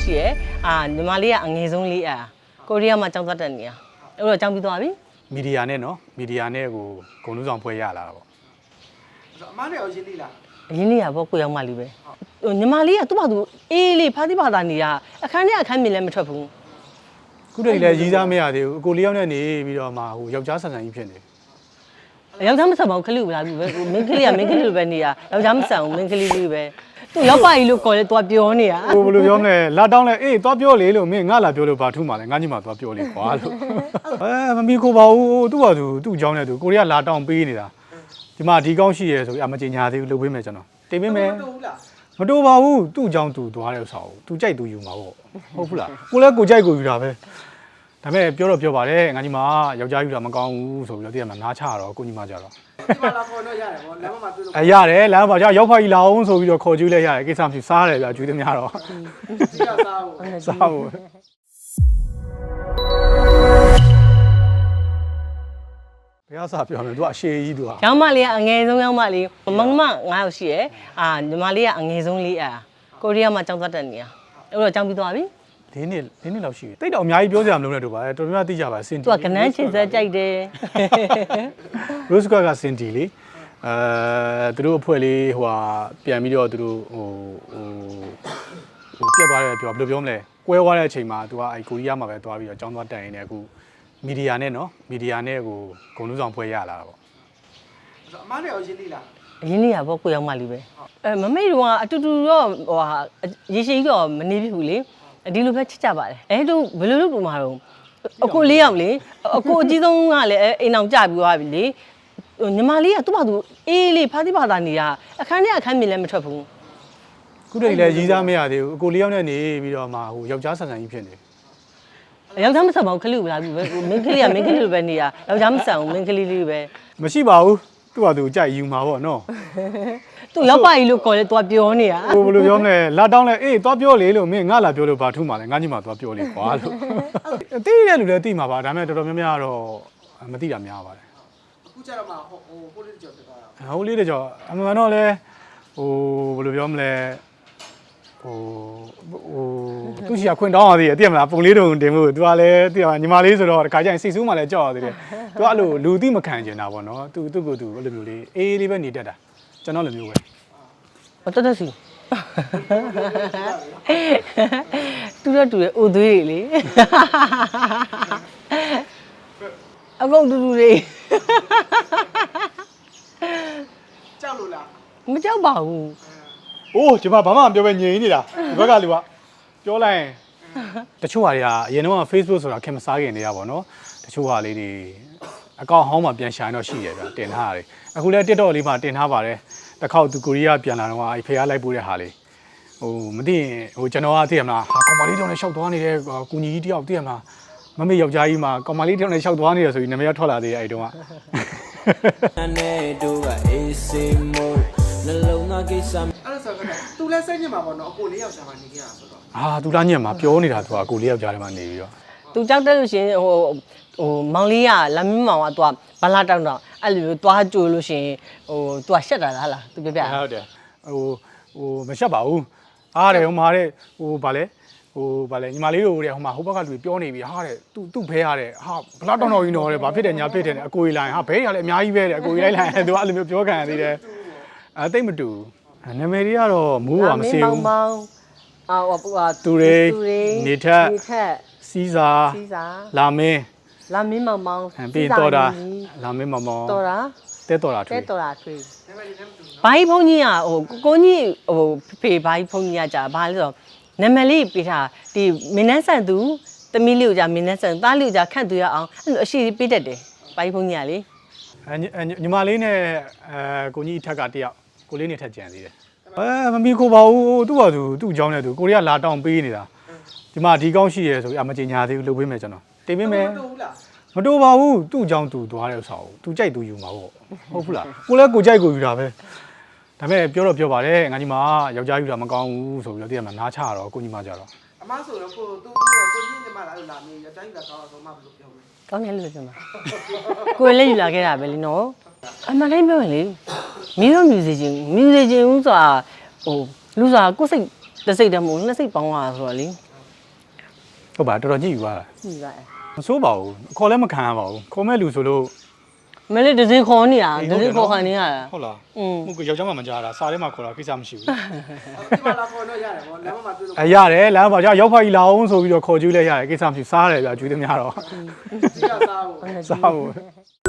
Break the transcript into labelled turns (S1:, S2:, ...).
S1: ရှိရယ်ညီမလေးကအငယ်ဆုံးလေးကိုရီးယားမှာကျောင်းသွားတက်နေတာအဲ့တော့ကျောင်းပြီးသွားပြီ
S2: မီဒီယာနဲ့နော်မီဒီယာနဲ့ကိုဂုံလုံးဆောင်ဖွဲ့ရလာတာပေါ့
S3: အမားနဲ့ရောရင်းနေလား
S1: ရင်းနေရပေါ့ကိုရောက်မှလေးပဲညီမလေးကသူ့ဘာသူအေးလေးဖားတိဘာသာနေတာအခန်းမြင်လည်းမထွက်ဘူး
S2: ခုတည်းလည်းရီးစားမရသေးဘူးအကိုလေးယောက်နဲ့နေပြီးတော့မှဟိုယောက်ျားဆန်ဆန်ကြီးဖြစ်နေ
S1: ယောက်ျားမဆန်ပါဘူးခလေးကိုလာပြီပဲမင်းကလေးကမင်းကလေးလိုပဲနေတာယောက်ျားမဆန်ဘူးမင်းကလေးလေးပဲသူရောက်ပါကြီးလို့ခေါ်လဲသွားပြောနေတာ
S2: ဟိုဘယ်လိုပြောမလဲလာတောင်းလဲအေးသွားပြောလေလို့မင်းငါလာပြောလို့ဘာထူးမှလဲငါညီမသွားပြောလေကွာလို့မမီခိုးပါဘူးသူ့ဘာသူ့အကြောင်းနဲ့သူကိုရီးယားလာတောင်းပေးနေတာဒီမှာဒီကောင်းရှိရဲဆိုပြီးမကြေညာသေးဘူးလုပ်ပေးမယ်ကျွန်တော်တင်ပေးမယ်မတိုးပါဘူးသူ့အကြောင်းသူသွားတဲ့ဥစ္စာကိုသူကြိုက်သူယူမှာပေါ့ဟုတ်ဘူးလားကိုလည်းကိုကြိုက်ကိုယူတာပဲဒါပေမဲ့ပြောတော့ပြောပါတယ်ငါညီမယောက်ျားယူတာမကောင်းဘူးဆိုပြီးတော့တည့်ရမှာနားချတော့ကိုညီမကြတော့
S3: ဒီမှာလာခေါ်တော့ရတယ်ဗောလမ်းမှာတွေ့လို့
S2: ရတယ်လမ်းမှာကြာရောက်ဖာကြီးလာအောင်ဆိုပြီးတော့ခေါ်ကြည့်လိုက်ရတယ်ကိစ္စမရှိစားတယ်ဗျာကျွေးသမျှတော့
S3: စီရစား
S2: ဖို့ဘယ်အစားပြောမလဲသူကအရှေ့ကြီးသူက
S1: ရောင်းမလေးကအငယ်ဆုံးရောင်းမလေးမမ9ယောက်ရှိရယ်ညီမလေးကအငယ်ဆုံးလေးကိုရီးယားမှာကျောင်းသွားတက်နေတာအဲ့တော့ကျောင်းပြီးသွားပြီ
S2: ၄နှစ်လောက်ရှိပြီတိတ်တော့အများကြီးပြောစရာမလိုနဲ့တို့ပါတော်တော်များသိကြပါစင်တီ
S1: သူကကနန်းချင်စက်ကြိုက်တယ်
S2: ရိုးစကွာကစင်တီလေသူတို့အဖွဲ့လေးဟိုဟာပြန်ပြီးတော့သူတို့ဟိုပြတ်သွားတယ်ပြောဘယ်လိုပြောမလဲကွဲသွားတဲ့အချိန်မှာသူကအဲကိုရီးယားမှာပဲသွားပြီးတော့ကျောင်းသွားတက်ရင်းနဲ့အခုမီဒီယာနဲ့နော်မီဒီယာနဲ့ကိုဂုံလုံးဆောင်ဖွဲ့ရလာတာပေါ့
S3: အမားနဲ့ရောရင်းနေလား
S1: ရင်းနေရပေါ့ကိုရောက်မှလေးပဲမမေတို့ကအတူတူတော့ဟိုဟာရေရှိတော့မနေပြီဘူးလေဒီလိုပဲချစ်ကြပါတယ်တို့ဘယ်လိုလုပ်လို့မှာတော့အကို၄ယောက်လေအကိုအကြီးဆုံးကလည်းအိမ်အောင်ကြပြီးသွားပြီလေညီမလေးကသူ့ဘာသူအေးလေးဖားတိဘာသာနေတာအခန်းမြင်လည်းမထွက်ဘူး
S2: ခုတည်းလည်းရီးစားမရသေးဘူးအကို၄ယောက်နဲ့နေပြီးတော့မှဟိုယောက်ျားဆန်ဆန်ကြီးဖြစ်နေ
S1: ယောက်ျားမဆန်ပါဘူးခလေးကိုလာပြီပဲမင်းကလေးကမင်းကလေးလိုပဲနေတာယောက်ျားမဆန်ဘူးမင်းကလေးလေးပဲ
S2: မရှိပါဘူးသူ့ဟာသူကြိုက်ယူမှာပေါ့နော်
S1: သူရောက်ပါကြီးလို့ခေါ်လဲသွားပြောနေတာ
S2: ဟိုဘယ်လိုပြောမလဲလာတောင်းလဲအေးသွားပြောလေလို့မင်းငါလာပြောလို့ဘာထူးမှလဲငါညီမသွားပြောလေကွာလို့သိတဲ့လူလည်းသိမှာပါဒါပေမဲ့တော်တော်များများတော့မသိတာများပါတယ်
S3: အခုကျတော့မှဟိုလေးတကြောဖြစ်သွားတာ
S2: ဟိုလေးတကြောအမှန်တော့လဲဟိုဘယ်လိုပြောမလဲဟိုသူရှိရခွင့်တောင်းရသေးတယ်သိရမလားပုံလေးတုံတင်မှု तू ကလည်းသိရမှာညီမလေးဆိုတော့ဒီခါကျရင်စိတ်ဆိုးမှလည်းကြောက်ရသေးတယ် तू အဲ့လိုလူသိမခံကျင်တာပေါ့နော် तू ကို तू အဲ့လိုမျိုးလေးအေးလေးပဲနေတတ်တာကျွန်တော်လိုမျိုးပဲ
S1: တက်စီတူရအိုသွေးတွေလေအကုန်တူတွေ
S3: ကြောက်လို့လား
S1: မကြောက်ပါဘူး
S2: အိုးကျွန်မဘာမှမပြောပဲငြိမ်နေတာဒီဘက်ကလူကပြောလိုက်ရင်တချို့ဟာတွေကအရင်တော့ Facebook ဆိုတာခင်မစားခင်နေရပါတော့တချို့ဟာလေးတွေအကောင့်ဟောင်းမှာပြန်ရှာရင်တော့ရှိရဗျတင်ထားရတယ်အခုလည်း TikTok လေးမှာတင်ထားပါတယ်တစ်ခေါက်သူကိုရီးယားပြန်လာတော့အဲ့ဖေကလိုက်ပို့တဲ့ဟာလေးဟိုမသိရင်ဟိုကျွန်တော်ကသိရမလားဟာကောင်မလေးတောင်နဲ့ရှောက်သွားနေတဲ့ကူညီကြီးတယောက်သိရမလားမမေယောက်ျားကြီးမှာကောင်မလေးတောင်နဲ့ရှောက်သွားနေရဆိုပြီးနာမည်ထွက်လာသေးတယ်အဲ့တုန်းက
S3: နဲ့တို့ကအေးစေးမို့နှလုံးသားကိစ္စအဲ့ဒါဆိုတော့သူလည်းစိတ်ညစ်မှာပေါ့နော်အကို၄ယောက်ရှာမှနေခဲ့ရဆိုတော့
S2: သူလားညက်မှာပြောနေတာသူကအကို၄ယောက်ကြားထဲမှာနေပြီးတော့
S1: သူကြောက်တဲ့လို့ရှင်ဟိုမောင်လေးကလမ်းမမောင်ကသူကဘလာတောက်တော့အဲ့လိုမျိုးသွားကြိုလို့ရှင်ဟိုသူကရှက်တာလားလားသူပြပြ
S2: ဟုတ်တယ်ဟိုမရှက်ပါဘူးအားတယ်ဟိုမှာတဲ့ဟိုဗာလဲညီမလေးတို့တဲ့ဟိုမှာဟိုဘက်ကလူပြောနေပြီဟာတဲ့သူ့ဘဲရတဲ့ဟာဘလာတောက်တော်ကြီးတော့တဲ့ဘာဖြစ်တယ်ညာဖြစ်တယ်အကိုကြီးလိုက်ဟာဘဲရလည်းအများကြီးပဲတဲ့အကိုကြီးလိုက်လိုက်သူကအဲ့လိုမျိုးပြောခံရသေးတယ်တိတ်မတူနာမည်တွေကတော့မူးပါမစေဘူးသူတွေနေထက်စီးစာလာမင်း
S1: မောင်မောင်
S2: ပြီးတော့တာလာမင်းမောင်မောင်
S1: တော်တာ
S2: တဲတော်တာထွေး
S1: ဘိုင်းဖုန်းကြီးကဟိုကိုကြီးဟိုဖေဘိုင်းဖုန်းကြီးကကြာဘာလဲဆိုတော့နာမည်လေးပေးထားဒီမင်းနှန်းဆန်သူသမီးလေးကိုကြာမင်းနှန်းဆန်သားလေးကိုကြာခန့်သူရအောင်အဲ့လိုအရှိပေးတတ်တယ်ဘိုင်းဖုန်းကြီးကလေ
S2: ညီမလေးနဲ့ကိုကြီးထက်ကတယောက်ကိုလေးနဲ့ထက်ကြံသေးတယ်မမီခိုးပါဘူးသူ့ဘာသူ့အကြောင်းနဲ့သူကိုရီးယားလာတောင်းပေးနေတာဒီမှာဒီကောင်းရှိရဲဆိုပြီးမကြေညာသေးဘူးလုပ်ပေးမယ်ကျွန်တော်တင်ပေးမယ်မတိုးပါဘူးသူ့အကြောင်းသူသွားတဲ့ဥစ္စာကိုသူကြိုက်သူယူမှာပေါ့ဟုတ်ဘူးလားကိုလည်းကိုကြိုက်ကိုယူတာပဲဒါပေမဲ့ပြောတော့ပြောပါတယ်ငါညီမယောက်ျားယူတာမကောင်းဘူးဆိုပြီးတော့တည့်ရမှာနားချတော့ကိုညီမကြတော့
S3: အမဆိုတော့ကိုကြီးညီမလာလို့လာမေးယောက်ျားယူတာကောင်းတော့မှဘယ်လိုပြောမလဲ
S1: ကောင်းတယ်လို့ပြောမှာကိုယ်လည်းယူလာခဲ့တာပဲလीနော်အမှန်တိုင်းပြောရင်လေမင်းတို့မြူစီချင်းဦးဆိုတာဟိုလူစားကိုယ်စိတ်တစ်စိတ်တည်းမဟုတ်နှစ်စိတ်ပေါင်းလာဆိုတော့လေ
S2: ဟုတ်ပါတော်တော်ကြည့်ယူပါလား
S1: ကြည့်ပါတယ်
S2: မစိုးပါဘူးခေါ်လည်းမခံရပါဘူးခေါ်မဲ့လူဆိုလို့
S1: မလေးဒဇင်ခေါ်နေတာဒဇင်ခေါ်ခံနေရတာ
S2: ဟုတ်လား
S1: อืม
S2: ဟုတ်ကယောက်ျားမှမကြားတာစားထဲမှာခေါ်တာကိစ္စမရှိဘူး
S3: ဒီမှာလာခေါ်တော့ရတယ်ဗောလမ်းမှာတွေ့လို့
S2: ရတယ်လမ်းမှာကြောက်ရောက်ဖက်ကြီးလာအောင်ဆိုပြီးတော့ခေါ်ကြည့်လိုက်ရတယ်ကိစ္စမရှိစားတယ်ဗျာကျွေးသမျှတော့
S3: စီရစားဖို့
S2: စားဖို့